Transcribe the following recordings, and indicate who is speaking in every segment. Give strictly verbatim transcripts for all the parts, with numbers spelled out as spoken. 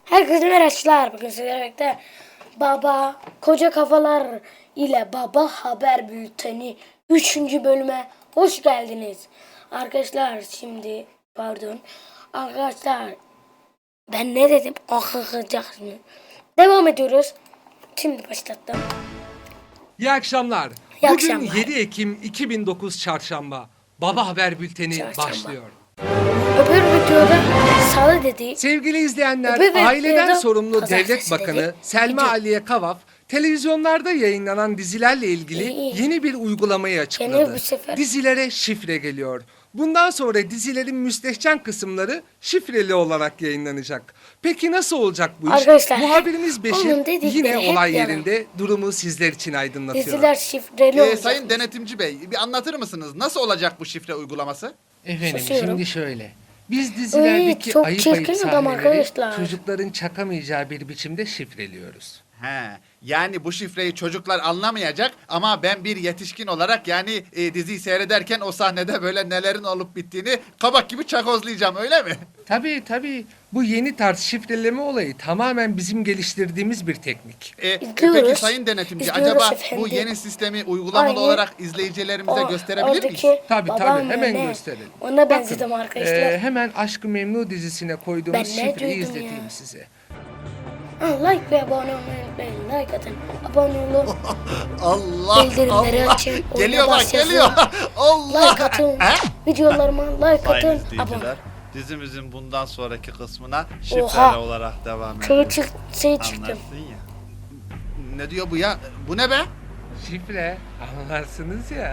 Speaker 1: Herkese merhabalar. Bugün sizlerle birlikte Baba Koca Kafalar ile Baba Haber Bülteni üçüncü bölüme hoş geldiniz. Arkadaşlar şimdi pardon. Arkadaşlar ben ne dedim? Akıkacaksınız. Devam ediyoruz. Şimdi başlattım.
Speaker 2: İyi akşamlar.
Speaker 1: İyi
Speaker 2: Bugün
Speaker 1: akşamlar.
Speaker 2: yedi Ekim iki bin dokuz Çarşamba. Baba Haber Bülteni
Speaker 1: Çarşamba.
Speaker 2: başlıyor.
Speaker 1: Öbür videoda salı dedi.
Speaker 2: Sevgili izleyenler,
Speaker 1: Öbür
Speaker 2: aileden
Speaker 1: videoda
Speaker 2: sorumlu
Speaker 1: pazartesi
Speaker 2: Devlet Bakanı
Speaker 1: dedi.
Speaker 2: Selma
Speaker 1: Video.
Speaker 2: Aliye Kavaf, televizyonlarda yayınlanan dizilerle ilgili
Speaker 1: İyi, iyi.
Speaker 2: yeni bir uygulamayı
Speaker 1: Gene
Speaker 2: açıkladı.
Speaker 1: bu sefer.
Speaker 2: Dizilere şifre geliyor. Bundan sonra dizilerin müstehcen kısımları şifreli olarak yayınlanacak. Peki nasıl olacak bu iş?
Speaker 1: Arkadaşlar,
Speaker 2: Muhabirimiz
Speaker 1: onun
Speaker 2: Beşir
Speaker 1: dedikleri
Speaker 2: yine
Speaker 1: hep
Speaker 2: olay
Speaker 1: yalan.
Speaker 2: yerinde durumu sizler için aydınlatıyor.
Speaker 1: Diziler şifreli
Speaker 3: Ee,
Speaker 1: olacak.
Speaker 3: Sayın Denetimci Bey, bir anlatır mısınız? Nasıl olacak bu şifre uygulaması?
Speaker 2: Efendim
Speaker 1: Susuyorum.
Speaker 2: şimdi şöyle. Biz dizilerdeki
Speaker 1: Ay, çok
Speaker 2: ayıp
Speaker 1: çirkin
Speaker 2: ayıp
Speaker 1: adam
Speaker 2: sahneleri
Speaker 1: arkadaşlar.
Speaker 2: çocukların çakamayacağı bir biçimde şifreliyoruz.
Speaker 3: He, yani bu şifreyi çocuklar anlamayacak ama ben bir yetişkin olarak yani e, diziyi seyrederken o sahnede böyle nelerin olup bittiğini kabak gibi çakozlayacağım, öyle mi?
Speaker 2: Tabii tabii bu yeni tarz şifreleme olayı tamamen bizim geliştirdiğimiz bir teknik.
Speaker 3: E,
Speaker 1: İzliyoruz.
Speaker 3: peki Sayın Denetimci,
Speaker 1: İzliyoruz
Speaker 3: acaba
Speaker 1: efendim.
Speaker 3: bu yeni sistemi uygulamalı
Speaker 1: Aynı
Speaker 3: olarak izleyicilerimize
Speaker 1: O-
Speaker 3: gösterebilir miyiz?
Speaker 1: oradaki
Speaker 2: Tabii
Speaker 1: babam
Speaker 2: tabii hemen
Speaker 1: ne?
Speaker 2: gösterelim.
Speaker 1: Ona benzedim
Speaker 2: Bakın,
Speaker 1: arkadaşlar.
Speaker 2: e, hemen Aşk-ı Memnu dizisine
Speaker 1: Ben
Speaker 2: koyduğumuz
Speaker 1: ne
Speaker 2: şifreyi
Speaker 1: duydum
Speaker 2: izleteyim
Speaker 1: ya?
Speaker 2: size.
Speaker 1: Ha, like ve abone olmayı unutmayın. Like atın. Abone olun.
Speaker 3: Allah
Speaker 1: Bildirimleri
Speaker 3: Allah.
Speaker 1: açın, oyuna
Speaker 3: Geliyor bak,
Speaker 1: başlasın.
Speaker 3: geliyor. Allah.
Speaker 1: Like atın.
Speaker 3: He?
Speaker 1: Videolarıma like
Speaker 4: Sayın
Speaker 1: atın. Abone.
Speaker 4: izleyiciler, dizimizin bundan sonraki kısmına şifreli
Speaker 1: Oha.
Speaker 4: olarak devam
Speaker 1: Şey,
Speaker 4: ediyoruz.
Speaker 1: çık, şey çıktım.
Speaker 4: Anlarsın ya.
Speaker 3: Ne diyor bu ya? Bu ne be?
Speaker 2: Şifre anlarsınız ya.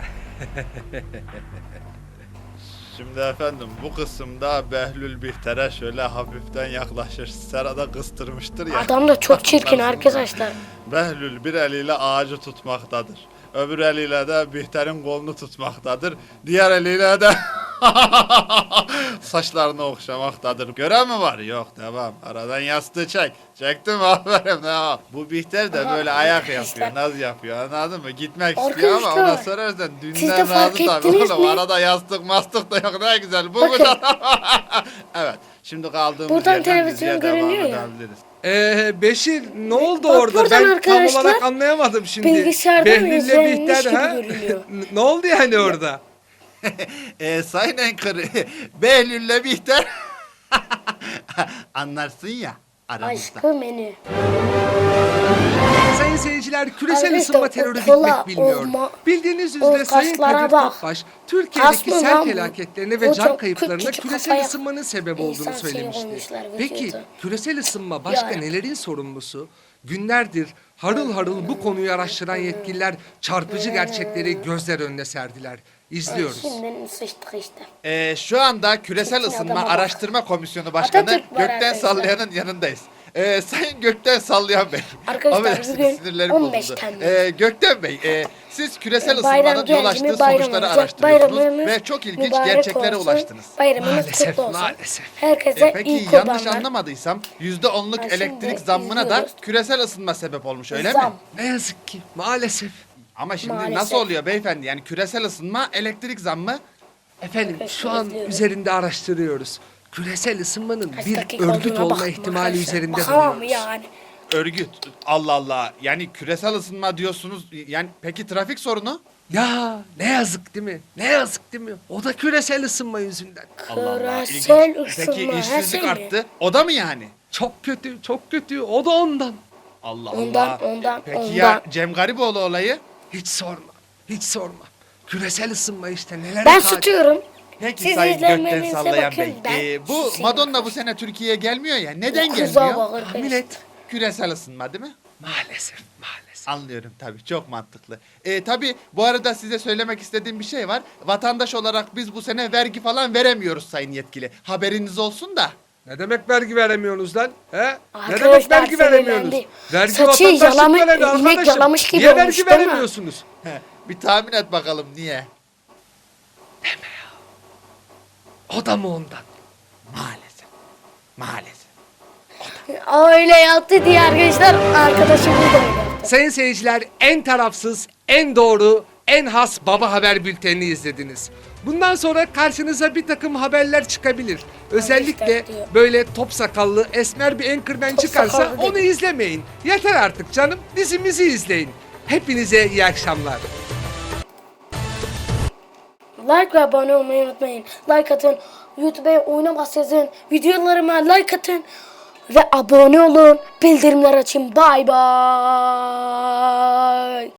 Speaker 4: Şimdi efendim bu kısımda Behlül Bihter'e şöyle hafiften yaklaşır. Serada kıstırmıştır ya.
Speaker 1: Adam da çok çirkin
Speaker 4: Anlarsınız.
Speaker 1: arkadaşlar.
Speaker 4: Behlül bir eliyle ağacı tutmaktadır. Öbür eliyle de Bihter'in kolunu tutmaktadır. Diğer eliyle de saçlarını okşamaktadır. Gören mi var? Yok, devam. Aradan yastığı çek. Çektim, aferin. Ne? Bu Bihter de böyle
Speaker 1: Aha,
Speaker 4: ayak
Speaker 1: arkadaşlar.
Speaker 4: yapıyor. Naz yapıyor. Anladın mı? Gitmek istiyor ama
Speaker 1: Arkadaşlar,
Speaker 4: ona sorarsan
Speaker 1: siz de
Speaker 4: dünden
Speaker 1: fark
Speaker 4: razı tabii.
Speaker 1: ettiniz
Speaker 4: Oğlum
Speaker 1: mi?
Speaker 4: arada yastık mastık da yok. Ne güzel. Bu
Speaker 1: Bakın.
Speaker 4: kadar. Evet. Şimdi kaldığımız
Speaker 1: Buradan
Speaker 4: yerden
Speaker 1: televizyon
Speaker 4: diziye devam
Speaker 1: görünüyor ya.
Speaker 4: edebiliriz.
Speaker 2: Ee, Beşir ne oldu
Speaker 1: Bak
Speaker 2: orada?
Speaker 1: buradan
Speaker 2: Ben tam
Speaker 1: arkadaşlar,
Speaker 2: olarak anlayamadım şimdi.
Speaker 1: bilgisayardan
Speaker 2: Behlül'le
Speaker 1: izlenmiş
Speaker 2: Bihter,
Speaker 1: gibi
Speaker 2: ha?
Speaker 1: görünüyor.
Speaker 2: N- ne oldu yani orada?
Speaker 3: Ee, Sayın Anchor, Behlül'le Bihter anlarsın ya aramızda.
Speaker 1: Aşkı menü.
Speaker 2: Sayın seyirciler, küresel
Speaker 1: Arkadaşlar,
Speaker 2: ısınma
Speaker 1: o
Speaker 2: terörü
Speaker 1: kola,
Speaker 2: bitmek bilmiyor.
Speaker 1: olma-
Speaker 2: Bildiğiniz
Speaker 1: o
Speaker 2: üzere Sayın
Speaker 1: kaslara
Speaker 2: Kadir
Speaker 1: bak.
Speaker 2: Topbaş, Türkiye'deki
Speaker 1: Kas mı
Speaker 2: sel
Speaker 1: lan bu?
Speaker 2: felaketlerine
Speaker 1: O
Speaker 2: ve can
Speaker 1: çok
Speaker 2: kayıplarına
Speaker 1: küçük
Speaker 2: küresel
Speaker 1: kafaya
Speaker 2: ısınmanın sebep
Speaker 1: insan
Speaker 2: olduğunu
Speaker 1: şeyi
Speaker 2: söylemişti.
Speaker 1: koymuşlar
Speaker 2: Peki
Speaker 1: vücuda.
Speaker 2: küresel ısınma başka
Speaker 1: Ya.
Speaker 2: nelerin sorumlusu? Günlerdir harıl harıl bu konuyu araştıran yetkililer çarpıcı gerçekleri gözler önüne serdiler. İzliyoruz.
Speaker 1: Şimdi sıçtık işte.
Speaker 3: Ee, şu anda Küresel
Speaker 1: Çirkin
Speaker 3: Isınma
Speaker 1: adama bak.
Speaker 3: Araştırma Komisyonu Başkanı
Speaker 1: Atatürk var
Speaker 3: Gökten
Speaker 1: arkadaşlar.
Speaker 3: Sallayan'ın yanındayız. Ee, Sayın Gökten Sallayan Bey.
Speaker 1: Arkadaşlar,
Speaker 3: Affedersiniz,
Speaker 1: bugün
Speaker 3: sinirlerim
Speaker 1: on beş
Speaker 3: bozuldu.
Speaker 1: Temmuz.
Speaker 3: Ee, Gökten Bey, e, siz küresel
Speaker 1: Ee, bayram
Speaker 3: ısınmanın yol
Speaker 1: geldi mi
Speaker 3: açtığı
Speaker 1: bayram
Speaker 3: sonuçları
Speaker 1: olacak.
Speaker 3: araştırıyorsunuz
Speaker 1: Bayramınız
Speaker 3: ve çok ilginç
Speaker 1: mübarek
Speaker 3: gerçeklere
Speaker 1: olsun.
Speaker 3: ulaştınız.
Speaker 1: Bayramınız
Speaker 2: Maalesef,
Speaker 1: kutlu olsun.
Speaker 2: maalesef.
Speaker 1: Herkese
Speaker 3: E, peki
Speaker 1: iyi
Speaker 3: yanlış
Speaker 1: kurbanlar.
Speaker 3: anlamadıysam yüzde onluk
Speaker 1: Ha, şimdi
Speaker 3: elektrik zammına da
Speaker 1: izliyoruz.
Speaker 3: küresel ısınma sebep olmuş, öyle
Speaker 1: Zam.
Speaker 3: mi?
Speaker 2: Ne yazık ki maalesef.
Speaker 3: Ama şimdi
Speaker 1: Maalesef.
Speaker 3: nasıl oluyor beyefendi? Yani küresel ısınma, elektrik zammı.
Speaker 2: Efendim
Speaker 1: Arkadaşlar,
Speaker 2: şu an
Speaker 1: izliyoruz.
Speaker 2: üzerinde araştırıyoruz. Küresel ısınmanın
Speaker 1: Kaç
Speaker 2: bir
Speaker 1: dakika
Speaker 2: örgüt
Speaker 1: olduğuna
Speaker 2: olma
Speaker 1: bakın
Speaker 2: ihtimali
Speaker 1: arkadaşlar.
Speaker 2: üzerinde
Speaker 1: Bakamam
Speaker 2: duruyoruz.
Speaker 1: yani.
Speaker 3: Örgüt. Allah Allah. Yani küresel ısınma diyorsunuz. Yani peki trafik sorunu?
Speaker 2: Ya ne yazık değil mi? Ne yazık değil mi? O da küresel ısınma yüzünden.
Speaker 3: Allah Allah.
Speaker 1: Küresel
Speaker 3: ilginç.
Speaker 1: ısınma,
Speaker 3: Peki
Speaker 1: her
Speaker 3: işsizlik
Speaker 1: şey mi?
Speaker 3: arttı. O da mı yani?
Speaker 2: Çok kötü, çok kötü. O da ondan.
Speaker 3: Allah
Speaker 1: Ondan,
Speaker 3: Allah.
Speaker 1: ondan,
Speaker 3: Peki
Speaker 1: ondan.
Speaker 3: ya Cem Garipoğlu olayı?
Speaker 2: Hiç sorma. Hiç sorma. Küresel ısınma işte nelere
Speaker 1: Ben
Speaker 2: kadir.
Speaker 1: tutuyorum.
Speaker 3: Peki
Speaker 1: Siz
Speaker 3: Sayın Gökten
Speaker 1: izlenmenize
Speaker 3: Sallayan
Speaker 1: bakın,
Speaker 3: Bey.
Speaker 1: ben
Speaker 3: Ee, bu
Speaker 1: susayım
Speaker 3: Madonna bu
Speaker 1: arkadaşlar.
Speaker 3: sene Türkiye'ye gelmiyor ya. Neden
Speaker 1: Kıza
Speaker 3: gelmiyor?
Speaker 1: bak arkadaşlar.
Speaker 2: Millet.
Speaker 3: Küresel ısınma değil mi?
Speaker 2: Maalesef, maalesef.
Speaker 3: Anlıyorum tabii, çok mantıklı. Ee, tabii bu arada size söylemek istediğim bir şey var. Vatandaş olarak biz bu sene vergi falan veremiyoruz sayın yetkili. Haberiniz olsun da.
Speaker 2: Ne demek vergi veremiyorsunuz lan? He? Ne
Speaker 1: Arkadaşlar,
Speaker 2: demek vergi veremiyorsunuz?
Speaker 1: sinirlendi.
Speaker 2: Vergi
Speaker 1: Saçı
Speaker 2: vatandaşlık
Speaker 1: yalamış-
Speaker 2: veren
Speaker 1: inek
Speaker 2: arkadaşım.
Speaker 1: yalamış gibi
Speaker 2: Niye
Speaker 1: olmuş,
Speaker 2: vergi
Speaker 1: değil mi?
Speaker 2: veremiyorsunuz?
Speaker 3: Heh, bir tahmin et bakalım niye?
Speaker 2: O da mı ondan?
Speaker 3: Maalesef. Maalesef.
Speaker 1: Öyle yaptı diye arkadaşlar. Arkadaşımız da öyle yaptı.
Speaker 2: Sayın seyirciler, en tarafsız, en doğru, en has Baba Haber Bülteni'ni izlediniz. Bundan sonra karşınıza bir takım haberler çıkabilir. Özellikle
Speaker 1: işte diyor.
Speaker 2: böyle top sakallı esmer bir anchorman
Speaker 1: Top
Speaker 2: çıkarsa
Speaker 1: sakallı
Speaker 2: onu
Speaker 1: dedi.
Speaker 2: izlemeyin. Yeter artık canım, dizimizi izleyin. Hepinize iyi akşamlar.
Speaker 1: Like ve abone olmayı unutmayın. Like atın. YouTube'a oynamaz yazın. Videolarıma like atın. Ve abone olun. Bildirimler açın. Bay bay.